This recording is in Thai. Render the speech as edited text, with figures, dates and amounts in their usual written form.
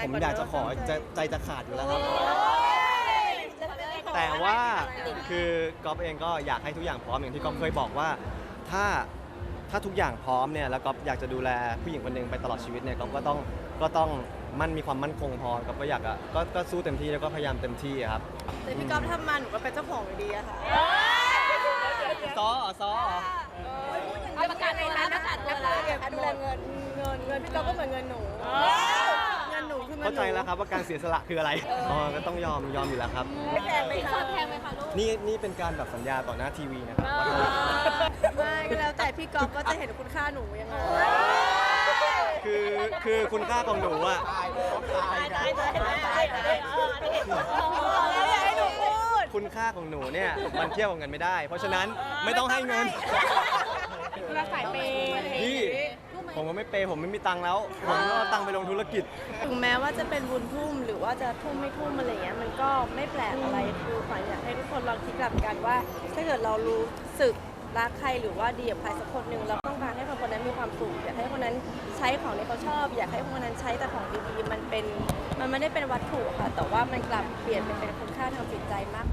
านผมก่อนอยากจะขอเนใจจะขาดอยู่แล้วครับ แต่ว่าคือก๊อฟเองก็อยากให้ทุกอย่างพร้อมอย่างที่ก๊อฟเคยบอกว่าถ้าทุกอย่างพร้อมเนี่ยแล้วก๊อฟอยากจะดูแลผู้หญิงคนหนึ่งไปตลอดชีวิตเนี่ยก๊อฟก็ต้องมีความมั่นคงพอก๊อฟก็อยากก็สู้เต็มที่แล้วก็พยายามเต็มที่ครับแต่พี่ก๊อฟทำมาหนูก็เป็นเจ้าของอยู่ดีอะค่ะซ้อเอาประกาศตัวแล้วประกาศตัวแล้วดูแลเงินพี่ก๊อฟก็เหมือนเงินหนูเงินหนูคือเงินหนูเข้าใจแล้วครับว่าการเสียสละคืออะไรก็ต้องยอมอยู่แล้วครับไม่แพงไหมคะแพงไหมคะลูกนี่เป็นการแบบสัญญาต่อหน้าทีวีนะครับว่าไม่ก็แล้วแต่พี่ก๊อฟว่าจะเห็นคุณค่าหนูยังไงคือคุณค่าของหนูอะแล้วอยากให้หนูพูดคุณค่าของหนูเนี่ยมันเทียบกับเงินไม่ได้ เพราะฉะนั้นไม่ต้องให้เงินเราสายเปย์พี่ผมก็ไม่เปย์ผมไม่มีตังค์แล้วผมก็เอาตังค์ไปลงธุรกิจถึงแม้ว่าจะเป็นบุญทุ่มหรือว่าจะทุ่มไม่ทุ่มอะไรเงี้ยมันก็ไม่แปลกอะไรคือขวัญอยากให้ทุกคนลองคิดกลับกันว่า ถ้าเกิดเรารู้สึกรักใครหรือว่าดีกับใครสักคนหนึ่งเราต้องการให้คนนั้นมีความสุขอยากให้คนนั้นใช้ของที่เขาชอบ อยากให้คนนั้นใช้แต่ของดีๆมันไม่ได้เป็นวัตถุค่ะแต่ว่ามันกลับเปลี่ยนเป็นคุณค่าทางจิตใจมาก